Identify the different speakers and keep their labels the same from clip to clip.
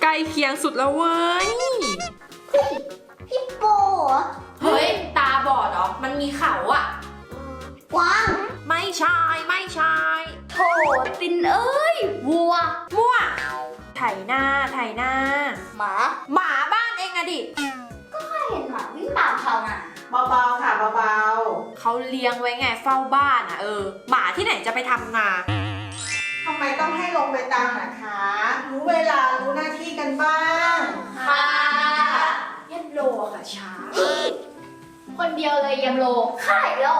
Speaker 1: ใกล้เคียงสุดแล้วเว้ย
Speaker 2: พี่โป
Speaker 1: เฮ้ยตาบอดเหรอมันมีเขาอะ
Speaker 2: กวาง
Speaker 1: ไม่ใช่
Speaker 2: โถตินเอ้ยวัว
Speaker 1: มั่วไถหน้า
Speaker 2: หมา
Speaker 1: บ้านเองอะดิ
Speaker 2: ก็เห็นหมาวิ่งตามเขาน่ะ
Speaker 3: เบาๆค่ะเบา
Speaker 1: ๆเขาเลี้ยงไว้ไงเฝ้าบ้านอะหมาที่ไหนจะไปทำนา
Speaker 3: ทำไมต้องให้ลงไปตามนะคะรู้เวลารู้หน้าที่กันบ้าง
Speaker 2: ค่ะ
Speaker 1: ยันโลค่ะช้า
Speaker 2: คนเดียวเลยยำโลค่ายโล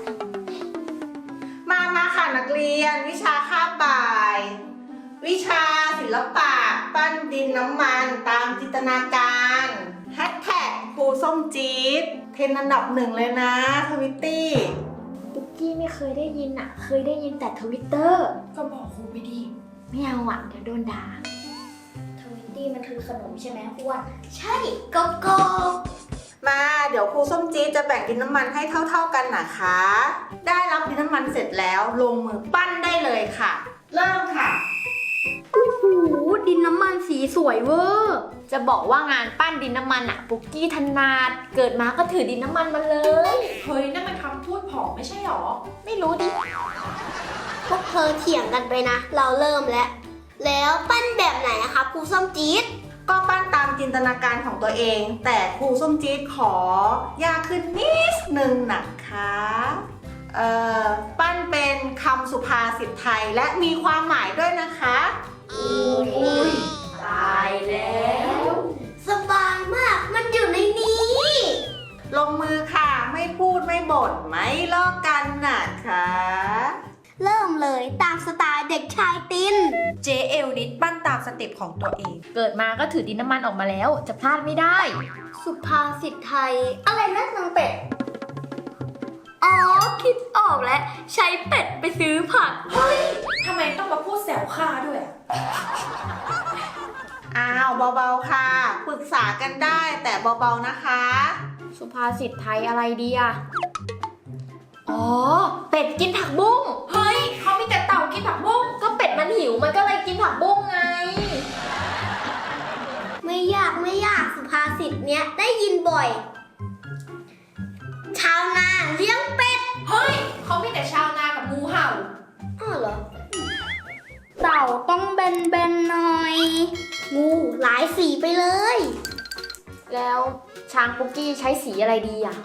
Speaker 3: มาค่ะนักเรียนวิชาคาบบ่าย วิชาศิลปะปั้นดินน้ำมันตามจินตนาการแฮชแท็กครูส้มจี๊ดเทรนด์อันดับ1เลยนะทวิตตี้
Speaker 2: ปุ๊กกี้ไม่เคยได้ยินอ่ะเคยได้ยินแต่ทวิตเตอร์
Speaker 1: ก็บอกครูไปดิ
Speaker 2: ไม่เอาอ่ะเดี๋ยวโดนด่าทวิตตี้มันคือขนมใช่ไหมอ้วนใช่โกโก้
Speaker 3: มาเดี๋ยวครูส้มจี๊ดจะแบ่งดินน้ำมันให้เท่าๆกันนะคะได้รับดินน้ำมันเสร็จแล้วลงมือปั้นได้เลยค่ะเริ่มค่ะ
Speaker 2: โอ้โหดินน้ำมันสีสวยเวอร์จะบอกว่างานปั้นดินน้ำมันอะปุกกี้ถนัดเกิดมาก็ถือดินน้ำมันมาเลย
Speaker 1: เฮ้ยนั่นมันคำพูดผอมไม่ใช่หรอ
Speaker 2: ไม่รู้ดิพวกเธอเถียงกันไปนะเราเริ่มแล้วปั้นแบบไหนนะคะครูส้มจี๊ด
Speaker 3: ก็ปั้นตามจินตนาการของตัวเองแต่ครูส้มจี๊ดขอยากขึ้นนิดนึงนะคะปั้นเป็นคำสุภาษิตไทยและมีความหมายด้วยนะคะ
Speaker 2: อุ้ยตายแล้วสบายมากมันอยู่ในนี้
Speaker 3: ลงมือค่ะไม่พูดไม่บ่นไม่ลอกกันนะคะ
Speaker 2: เริ่มเลยตามสไตล์เด็กชายติน
Speaker 1: เจเอลนิดปั้นตามสเต็ปของตัวเอง
Speaker 2: เกิดมาก็ถือดินน้ำมันออกมาแล้วจะพลาดไม่ได้สุภาษิตไทยอะไรนะนางเป็ดอ๋อคิดออกแล้วใช้เป็ดไปซื้อผัก
Speaker 1: เฮ้ยทำไมต้องมาพูดแซวข้าด้วย
Speaker 3: อ้าวเบาๆค่ะปรึกษากันได้แต่เบาๆนะคะ
Speaker 2: สุภาษิตไทยอะไรดีอะอ๋อเป็ดกินผักบุ้ง
Speaker 1: เฮ้ยเขามีแต่เต่ากินผักบุ้ง
Speaker 2: ก็เป็ดมันหิวมันก็เลยกินผักบุ้งไงไม่ยากสุภาษิตเนี้ยได้ยินบ่อยชาวนาเลี้ยงเป็ด
Speaker 1: เฮ้ยเขามีแต่ชาวนากับงูเห่า
Speaker 2: อ้าวเหรอเต่าต้องเบนหน่อยงูหลายสีไปเลยแล้วช้างปุกกี้ใช้สีอะไรดีอ่ะ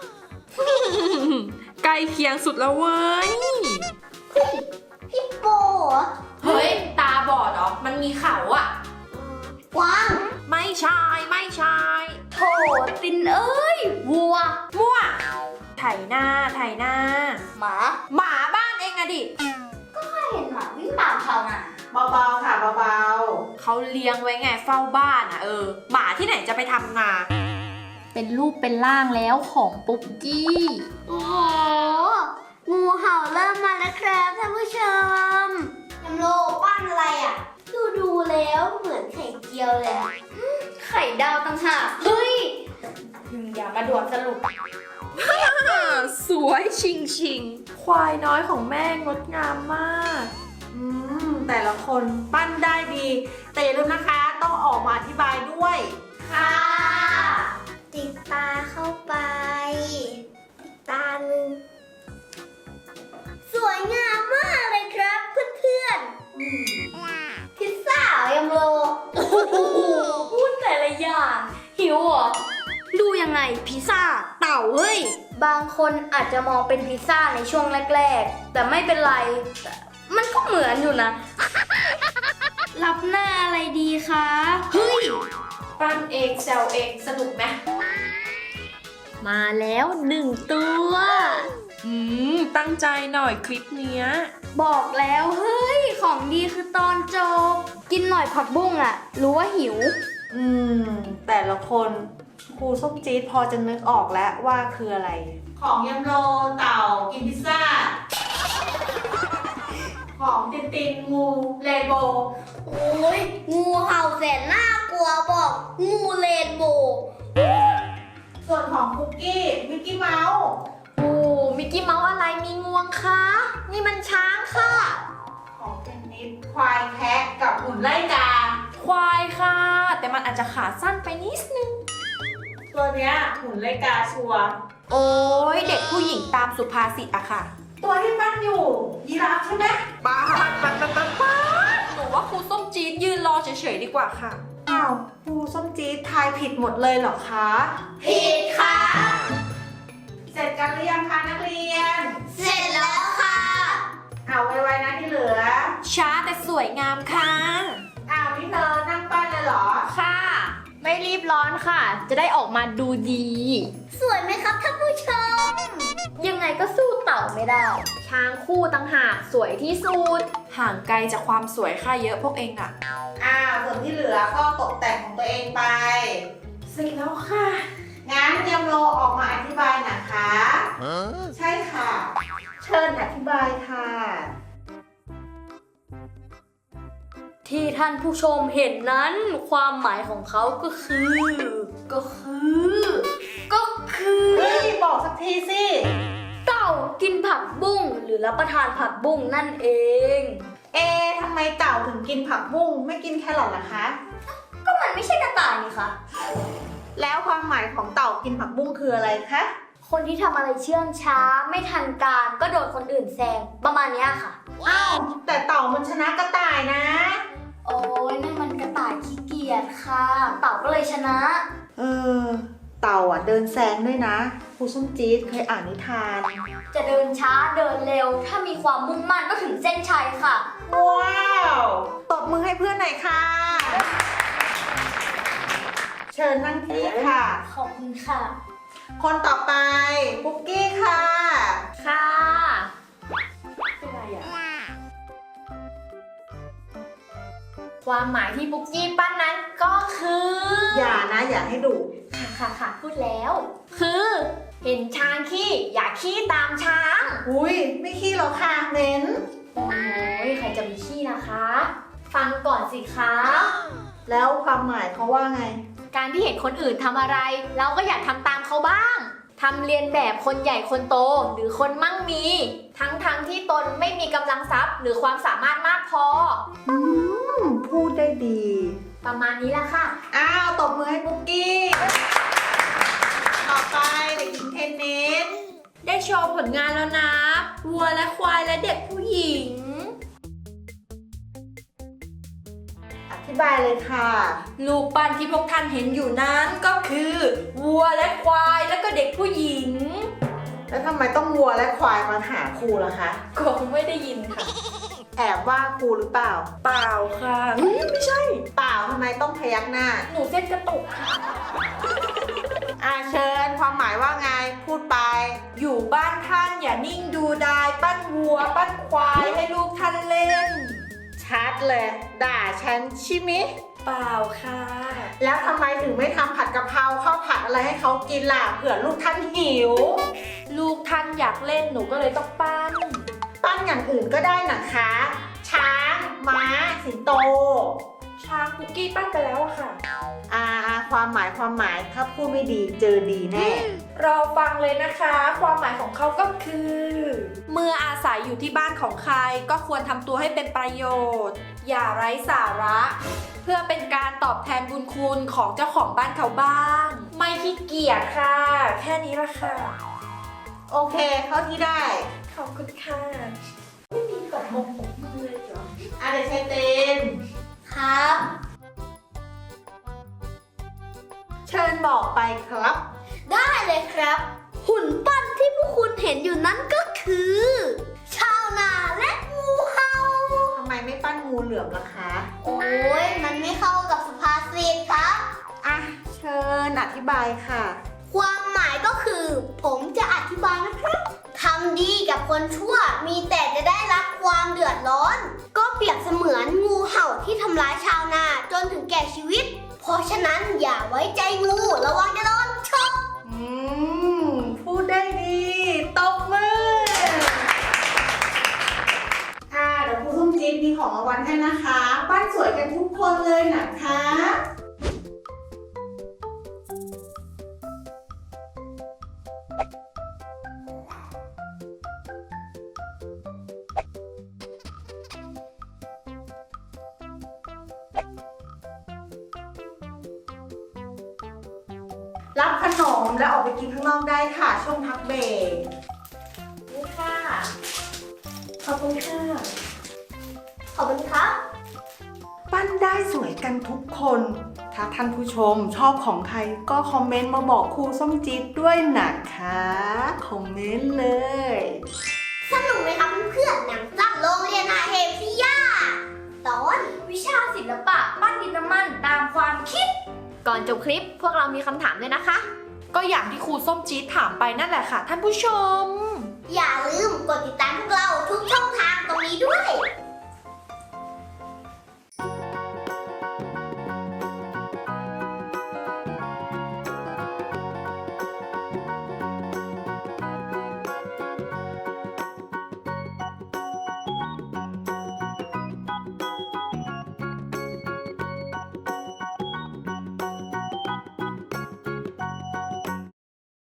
Speaker 1: ใกล้เคียงสุดแล้วเว้ย
Speaker 2: พี่โป
Speaker 1: เฮ้ยตาบอดเหรอมันมีเขาอะ
Speaker 2: กวาง
Speaker 1: ไม่ใช่
Speaker 2: โถตินเอ้ยวัว
Speaker 1: มั่วไถหน้า
Speaker 2: หมา
Speaker 1: บ้านเองอะดิ
Speaker 2: ก็เห็นหมาวิ่งตามเขาน่ะ
Speaker 3: เบาๆค่ะเบา
Speaker 1: ๆเขาเลี้ยงไว้ไงเฝ้าบ้านอะหมาที่ไหนจะไปทำนา
Speaker 2: เป็นรูปเป็นร่างแล้วของปุกกี้โอ้โหงูเห่าเริ่มมาแล้วครับท่านผู้ชมยำโลปั้นอะไรอ่ะดูแล้วเหมือนไข่เจียวเลยไข่ดาวต่างหากเฮ้ย
Speaker 1: อย่ามาด่วนสรุปสวยชิงควายน้อยของแม่งดงามมาก
Speaker 3: แต่ละคนปั้นได้ดีแต่อย่าลืมนะคะต้องออกมาอธิบายด้วย
Speaker 2: ค่ะติดตาเข้าไปตาหนึ่งสวยงามมากเลยครับเพื่อนๆพิซซ่ายำโลพูดแต่ละอย่างหิวเหรอดูยังไงพิซซ่าเต่าเฮ้ยบางคนอาจจะมองเป็นพิซซ่าในช่วงแรกๆแต่ไม่เป็นไรมันก็เหมือนอยู่นะรับหน้าอะไรดีคะเฮ้ย
Speaker 1: ปั้นเองแซวเองสนุกไหม
Speaker 2: มาแล้ว1ตัว
Speaker 1: ตั้งใจหน่อยคลิปเนี้ย
Speaker 2: บอกแล้วเฮ้ยของดีคือตอนจบกินหน่อยผักบุ้งอะรู้ว่าหิว
Speaker 3: แต่ละคนครูส้มจี๊ดพอจะนึกออกแล้วว่าคืออะไรของยำโรเต่ากินพิซซ่าของตินงูเรนโบว์
Speaker 2: โอ้ยงูเห่าแสนน่ากลัวบอกงูเรนโบว์
Speaker 3: ส่วนของคุกกี้มิกกี้เมาส์
Speaker 2: มิกกี้เมาส์อะไรมีงวงคะนี่มันช้างค่ะ
Speaker 3: ของเทนนิสควายแคะกับหุ่นไล่กา
Speaker 1: ควายค่ะมันอาจจะขาสั้นไปนิดนึง
Speaker 3: ตัวเนี้ยหุ่นเลกาชัวร์
Speaker 1: โอ้ยเด็กผู้หญิงตามสุภาษิตอะค่ะ
Speaker 3: ตัวที่ปั้นอยู่ยีราฟใช่ไหมป้า
Speaker 1: หนูว่าครูส้มจี๊ดยืนรอเฉยๆดีกว่าค่ะ
Speaker 3: อ้าวครูส้มจี๊ดทายผิดหมดเลยเหรอคะ
Speaker 2: ผิดค่ะ
Speaker 3: เสร็จกันหรือยังคะนักเรียน
Speaker 2: เสร็จแล้วค่ะ
Speaker 3: เอาไวๆนะที่เหลือ
Speaker 1: ช้าแต่สวยงามค่ะ
Speaker 3: อ้าวนี่เธอนั่งปั้นเลยเหรอ
Speaker 1: ค่ะ ไม่รีบร้อนค่ะ จะได้ออกมาดูดี
Speaker 2: สวยไหมครับท่านผู้ชม
Speaker 1: ยังไงก็สู้เต่าไม่ได้ ช้างคู่ตั้งหากสวยที่สุด ห่างไกลจากความสวยค่าเยอะพวกเองอะ
Speaker 3: อ้าวส่วนที่เหลือก็ตกแต่งของตัวเองไป
Speaker 1: เสร็จแล้วค่ะ
Speaker 3: งั้นเตรียมโลออกมาอธิบายนะคะ ใช่ค่ะ เชิญอธิบายค่ะ
Speaker 4: ที่ท่านผู้ชมเห็นนั้นความหมายของเขาก็คือ
Speaker 3: เฮ้ย บอกสักทีสิ
Speaker 4: เต่ากินผักบุ้งหรือรับประทานผักบุ้งนั่นเอง
Speaker 3: ทำไมเต่าถึงกินผักบุ้งไม่กินแครอทล่ะคะ
Speaker 4: ก็มันไม่ใช่กระต่ายนี่คะ
Speaker 3: แล้วความหมายของเต่ากินผักบุ้งคืออะไรคะ
Speaker 4: คนที่ทำอะไรเชื่องช้าไม่ทันการก็โดนคนอื่นแซงประมาณเนี้ยค่ะ
Speaker 3: อ้าว แต่เต่ามันชนะกระต่ายนะ
Speaker 4: โอ้ยนั่นมันกระต่ายขี้เกียจค่ะ เต่าก็เลยชนะ
Speaker 3: เต่าอ่ะเดินแซงด้วยนะครูส้มจี๊ดเคยอ่านนิทาน
Speaker 4: จะเดินช้าเดินเร็ว ถ้ามีความมุ่งมั่นก็ถึงเส้นชัยค่ะ
Speaker 3: ว้าวตบมือให้เพื่อนหน่อยค่ะ เชิญนั่งที่ค่ะ
Speaker 4: ขอบคุณค่ะ
Speaker 3: คนต่อไปปุ๊กกี้ค่ะ
Speaker 4: ค่ะ
Speaker 1: เป็นไรอะ
Speaker 4: ความหมายที่ปุ๊กกี้ปั้นนั้นก็คือ
Speaker 3: อย่านะอย่าให้ดุ
Speaker 4: ค่ะพูดแล้ว คือ เห็นช้างขี้อย่าขี้ตามช้าง
Speaker 3: อุ้ยไม่ขี้หรอกค่ะเหม็น
Speaker 4: โอ้ยใครจะมีขี้นะคะ ฟังก่อนสิคะ
Speaker 3: แล้วความหมายเขาว่าไง
Speaker 4: การที่เห็นคนอื่นทำอะไร เราก็อยากทำตามเขาบ้างทำเรียนแบบคนใหญ่คนโตหรือคนมั่งมี ทั้งที่ตนไม่มีกำลังทรัพย์ หรือความสามารถมากพอ
Speaker 3: พูดได้ดี
Speaker 4: ประมาณนี้ละค่ะ
Speaker 3: อ้าวตบมือให้ปุ๊กกี้ ต่อไปเด็กหญิงเทนนิส
Speaker 1: ได้โชว์ผลงานแล้วนะ วัวและควายและเด็กผู้หญิง
Speaker 3: อธิบายเลยค่ะ
Speaker 1: ลูกปั้นที่พวกท่านเห็นอยู่นั้นก็คือ วัวและควายและก็เด็กผู้หญิง
Speaker 3: แล้วทำไมต้องวัวและควายมาหาครูล่ะคะ
Speaker 1: คงไม่ได้ยินค่ะ
Speaker 3: แอบว่าครูหรือเปล่า
Speaker 1: เปล่าค่ะไม่ใช่
Speaker 3: เปล่าทำไมต้องพยักหน้า
Speaker 1: หนูเส้นกระตุกค่ะ
Speaker 3: เชิญความหมายว่าไงพูดไป
Speaker 1: อยู่บ้านท่านอย่านิ่งดูดายปั้นวัว ปั้นควายให้ลูกท่านเล่น
Speaker 3: ชัดเลย ด่าฉันใช่ไหม
Speaker 1: เปล่าค่ะ
Speaker 3: แล้วทำไมถึงไม่ทำผัดกะเพราข้าวผัดอะไรให้เขากินล่ะเผื่อลูกท่านหิว
Speaker 1: ลูกท่านอยากเล่นหนูก็เลยต้องปั้น
Speaker 3: ปั้นอย่างอื่นก็ได้นะคะ ช้าง ม้า สิงโต
Speaker 1: ช้างคุกกี้ปั้นไปแล้วอะค่ะ
Speaker 3: ความหมายถ้าพูดไม่ดีเจอดีแน่
Speaker 1: รอฟังเลยนะคะ ความหมายของเขาก็คือ เมื่ออาศัยอยู่ที่บ้านของใครก็ควรทำตัวให้เป็นประโยชน์ อย่าไร้สาระ เพื่อเป็นการตอบแทนบุญคุณของเจ้าของบ้านเขาบ้าง ไม่ขี้เกียจค่ะ แค่นี้ละค่ะ
Speaker 3: โอเค เข้าที่ได้
Speaker 1: ขอบคุณค่ะ ไม่มีแบบมงผมมือเลยเหรอ
Speaker 3: เด็กชายเต้น
Speaker 4: ครับ
Speaker 3: เชิญบอกไปครับ
Speaker 2: ได้เลยครับ หุ่นปั้นที่พวกคุณเห็นอยู่นั้นก็คือ ชาวนาและงูเห่า
Speaker 3: ทำไมไม่ปั้นงูเหลือมล่ะคะ
Speaker 2: โอ้ยมันไม่เข้ากับสุภาษิตครับ
Speaker 3: เชิญอธิบายค่ะ
Speaker 2: ความหมายก็คือ ผมจะอธิบายนะครับทำดีกับคนชั่วมีแต่จะได้รับความเดือดร้อน ก็เปรียบเสมือนงูเห่าที่ทำร้ายชาวนาจนถึงแก่ชีวิต เพราะฉะนั้นอย่าไว้ใจงูระวังจะโดนชก
Speaker 3: พูดได้ดีตบมือ เดี๋ยวครูส้มจี๊ดมีของรางวัลให้นะคะ ปั้นสวยกันทุกคนเลยนะคะรับขนมแล้วออกไปกินข้างนอกได้ค่ะ ช่วงพักเบรก
Speaker 4: นี่ค่ะ
Speaker 3: ขอบคุณค่ะ
Speaker 2: ขอบคุณครับ
Speaker 3: ปั้นได้สวยกันทุกคน ถ้าท่านผู้ชมชอบของใครก็คอมเมนต์มาบอกครูส้มจี๊ดด้วยนะคะ คอมเมนต์เลย
Speaker 2: สนุกไหมครับเพื่อนๆหนังสั้นโรงเรียนอาเฮฟิยาตอนวิชาศิลปะปั้นดินน้ำมันตามความคิด
Speaker 4: ก่อนจบคลิปพวกเรามีคำถามด้วยนะคะ
Speaker 1: ก็อย่างที่ครูส้มจี๊ดถามไปนั่นแหละค่ะท่านผู้ชม
Speaker 2: อย่าลืมกดติดตามพวกเราทุกช่องทางตรงนี้ด้วย